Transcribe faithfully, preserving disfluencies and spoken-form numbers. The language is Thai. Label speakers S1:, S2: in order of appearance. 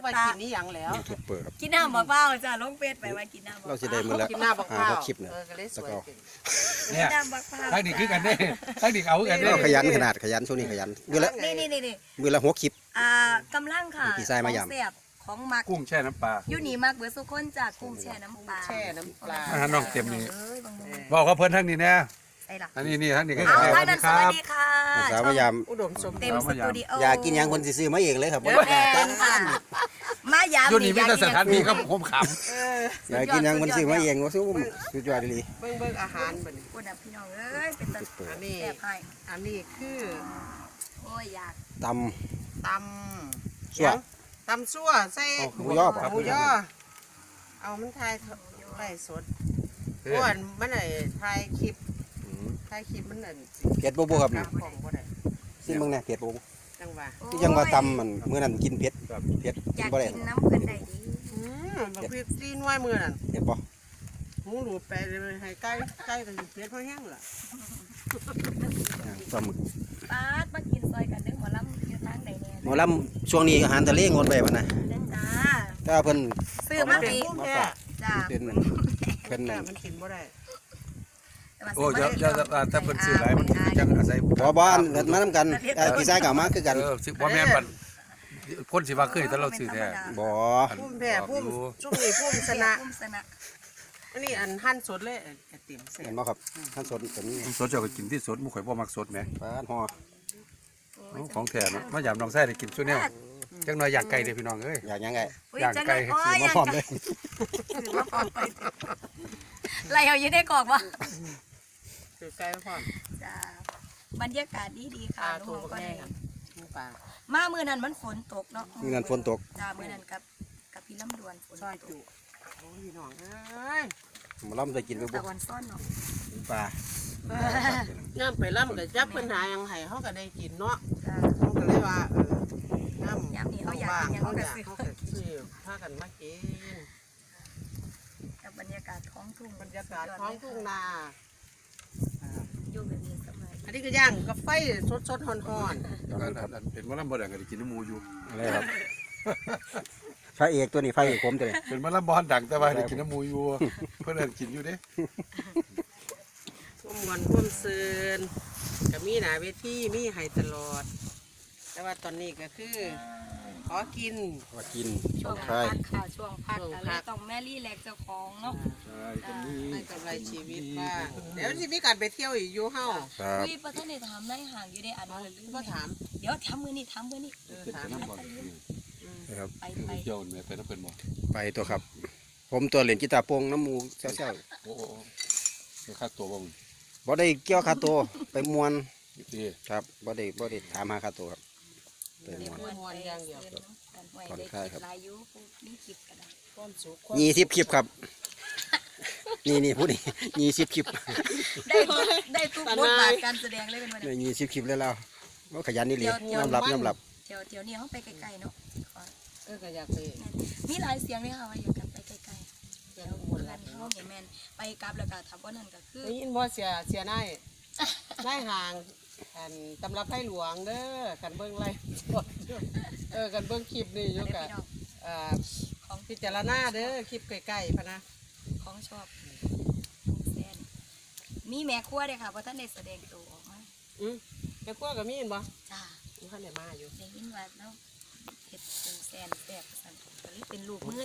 S1: ไปกินนี่ยังแล้ว
S2: ยูทูบเบอร์ครับ
S3: กินน้ำบักเปล่าจ้ะลงเฟซไปว่ากินน้ำบัก
S2: เรา
S3: เป
S2: จะ
S3: ล่า
S2: ได้มือละ
S1: กินหน้าบัก
S2: ห้า
S1: เผา
S2: หกคลิปเนี่ย
S1: เออก็เลยสวยขึ้น
S3: กิน
S4: เนี่ย
S3: น้ำบักเปล่า
S4: ทั้งนี้คือกันเด้ทั้งนี้เอากันเด้
S2: เราขยันขนาดขยันช่วงนี้ขยันมือละ
S3: นี่นี่นี่นี่
S2: มือละหกคลิป
S3: อ่ากำลังค่ะ
S2: พี่ชายมายำ
S3: ของแซ่บของมัก
S4: กุ้งแช่น้ำปลา
S3: อยู่นี่มักเบิดสุกคนจากกุ้งแช่น้ำปลา
S1: แช่น้ำปลา
S4: อาหารน้องเต็มนี่
S3: เอ้ยบางมื้อ
S4: บอกเขาเพิ่นทั้งนี้แน่
S3: ใส่ล่ะ
S4: อันนี้นี่ทั้งนี้ก็
S3: เอา
S4: ส
S3: ท่าน
S4: วัส
S3: นั้
S4: ดี
S3: น
S4: ค
S3: ส
S4: รั
S3: วัส
S4: บ
S3: ดีค่ะ
S2: สาวพยายาม
S1: อุดมสมบู
S3: เต็
S1: ร
S3: ม
S1: ณ์
S3: สตูดิโอ
S2: อยากกินหยังคนสิซื้อมาเองเลยครับ
S3: แม่นค่ะมายาม
S4: อยู่นี่มีแต่สถานที่ครับผมข
S1: เออ
S2: อยากกินหยังคนซื้อมาเองว่าสู้สุดยอดดี
S1: เบิ่งเบิ่งอาหารบัดนี้
S3: พูดนะพี่น้องเอ้ยเป็นตา
S1: อันนี้
S3: แซ่บให้
S1: อันนี้คือ
S3: โอ้ยอยาก
S2: ต
S1: ต
S2: ำ
S1: ำ
S2: สั่ว
S1: ตำซั่วใส่
S2: เอาหมูย่อป่ะ
S1: หมูย่อเอามันทายไก่สด
S4: ำ
S1: อ้วนมันไหนทายคลิป
S2: อืม
S1: ทายคลิปมันนั่น
S2: เผ็ดบ่บ่ครับ
S1: ก
S2: นี่
S1: ราบของบ่ได้
S2: ซิมึงเนี่ยเผ็ดบ่บ่
S1: จังหว่า
S2: ที่ยังว่าตำมันมื้อนั้นกินเผ็ดเผ็ด
S3: อยาก
S2: บ่ได้
S3: กินน้ำเพิ่นได้ดี
S1: อืมบักพริกซีนไว้มือนั่น
S2: เผ็ดบ่
S1: หมูหลูดไปเลยให้ไก่ไก่ก็สิเผ็ดเพราะแห้งล่ะ
S2: ปลาหมึก
S3: ปาดมากินซอยกันเด้อหมอลำอยู่ทางใดแน่
S2: หมอลำช่วงนี้อาหารทะเลงดไปบ่นะ
S3: เด้อจ้า
S2: ถ้าเพิ่น
S3: ซื้อมา
S1: เป็น
S3: ปี
S1: พุ่ม
S2: มา
S1: แท้
S2: ฝาก
S3: จ้า
S2: เป็นนั่นเพิ่น
S1: แต่
S2: นั่น
S1: มันกินบ่ได้
S4: โอ้ยจะจะแต่เพิ่นซื้อหลายมันจังอาศัย
S2: บ่บ่อันเกิดมานํกันเอ่อพี่ชายก็เอามาคือกัน
S4: เออสิบ่แม่นบัดคนสิว่าเคยแต่เราซื้อแท้
S2: บ่
S1: พุ่มแพ้พุ่ม
S4: รู้
S1: ช่วงนี้พุ่มช
S3: ช
S1: นะ
S3: นะชนะ
S1: อันนี้อันหั่นสดเลยไอติมเสร็
S2: เห็
S1: จ
S2: นบ่ครับท่านสดเป็นนี่
S4: สดเจ้าก็กินที่สดหมู่ข่อยบ่มักสดแหม
S2: ปลาห่อ
S4: ของแท้เนาะมายามน้องไส้ได้กินซุแนวจังน้อยอย่างไก่เด้อพี่น้องเอ้ย
S2: อยากหยังไง
S3: อุ้
S4: ย่าง
S3: จัง
S4: ไก่
S3: เลยโอ้ย
S2: มาพร้อมเลย
S3: ถือมาพร้อมไปไรเอาอยู่ในกรอกวะ
S1: คือไก่ไม่พอ
S3: จ้าบรรยากาศดีดีๆ
S1: ปลา
S3: ค่ะ
S1: ตัว
S3: ลูก
S1: ก็
S3: ก็
S1: แม่
S3: ได้
S1: หมูปลา
S3: มามื้อนั้นมันฝนตกเนาะ
S2: มีงานฝนตก
S3: จ้ามื้อนั้นกับกับพี่ลำดวนฝน
S1: ซอย
S3: ต
S1: จุ
S3: ก
S1: โอ้ยน้องเอ้ย
S2: หมาล่ำได้กินไป
S3: ตะ
S2: บ่
S3: วันซ่อนเนาะ
S2: ปลา
S1: น้ำไปล่ำกับจับปัญหายังไห้เขาก็ได้กินเนาะ
S3: จ้า
S1: เขาก็เลยว่าเออน้ำ
S3: ยามนี้เขาอยากกินหยัง
S1: เขา
S3: เขาก็
S1: อยาก
S3: ซื้อ
S1: เขาก็ซื้อพากันมากิน
S3: กับบรรยากาศท้องทุ่ง
S1: บรรยากาศท้องทุ่งนา
S3: อยู่แบบนี้สบาย
S1: อันนี้ก็ย่างกับไฟสดสดๆฮ้อน
S4: อันอันเป็นมะลำบ่ได้ก็ได้กินน้ำหมูอยู่
S2: อะไรครับพระเอกตัวนี้พระเอกผมตัวนี้
S4: เป็นมะลำบ่ดังแต่ว่าได้กินน้ำหมูอยู่เพิ่นเอิ้นกินอยู่เด้
S1: ๆร่วมวันร่วมซืนก็มีหนาเวทีมีให้ตลอด แต่ว่าตอนนี้ก็คือขอกิน
S2: ว่ากิน
S3: ช่วง
S2: ใช่
S3: พักค่ะช่วงพัก
S1: ช่วง
S3: อะ
S1: พั
S3: ไร
S1: ก
S3: ต้องแม่รี่แลกเจ้าของเนาะ
S4: ใช่ก็มี
S1: ให้กำไรชีวิตบ้างเดี๋ยวสิมีการไปเที่ยวอีกอยู่เฮา
S2: ครับ
S3: คุยประเทศในถามในห่างอยู่ในอัน
S1: เอา
S3: นั้น
S1: ก็ถาม
S3: เดี๋ยวทำมือนี่ทำมือนี่
S1: เออ
S4: เป็น
S1: ถาม
S4: น้ำบ่
S2: นะครับ
S3: ไปไป
S4: เจ้าแม่ไปน้ำเพิ่นบ่
S2: ไปตัวครับ ผมตัวเหรียญกีตาร์โปงน้ำหมูเซี่ยว
S4: โอ้โหค่าตัวบ่มึง
S2: ๆบ่ได้เกี่ยวคาตัวไปมวน
S4: พี่
S2: ครับบ่ได้บ่ได้ถามหาคาตัวครับไปมวน
S1: มวนอย่างเดียว
S2: ผ่อนคลายครับ
S3: ลายยุนี่คลิปกันได้
S1: ความสุขความ
S2: ยี่สิบคลิปครับ นี่นี่พูดนี่ยี่สิบคลิป
S3: ได้ทุกได้ทุกบทบาทการแสดงเลยเป็นวัน
S2: ได้
S3: นี้
S2: ยี่สิบคลิปแล้วเราว่าขยันนี่เลย
S3: เดี๋ยว
S2: ยอมรับยอมรับ
S3: เที่ยวเที่ยวนี้เขาไปไกลๆเนาะขอ
S1: เออก็อยากไป
S3: มีหลายเสียงเลยค่ะว่าอยากกันไปไกลๆ
S1: เที่
S3: เดี๋
S1: ย
S3: ยว ว
S1: อุบล
S3: กั
S1: รั
S3: น
S1: ตน์
S3: เขา
S1: เนาะ
S3: เห็นแมนไปกลับแล้วก็ทับว่านั่นก็คือ
S1: ได้ยินบ่เสียเสียนายนายห่างอันตำรับไพ่หลวงเด้อกันเบิ่งไล่เออกันเบิ่งคลิปนี่อยู่
S3: ได้
S1: กะ
S3: พี่น้อง
S1: เอ่อ
S3: ของ
S1: พิจารณาเด้อคลิปใกล้ๆพะนะ
S3: ของชอบแซนมีแม่ครัวเลยค่ะเพราะท่านได้แสดงตัวออกมา
S1: อืมแม่ครัวก็มีเห็นบ่
S3: จ้า
S1: มีท่านได้มาอยู่
S3: ได้ยินว่าแล้วเห็ดเป็นแซนแซ่บสั่นก็เลยเป็นลูกมือ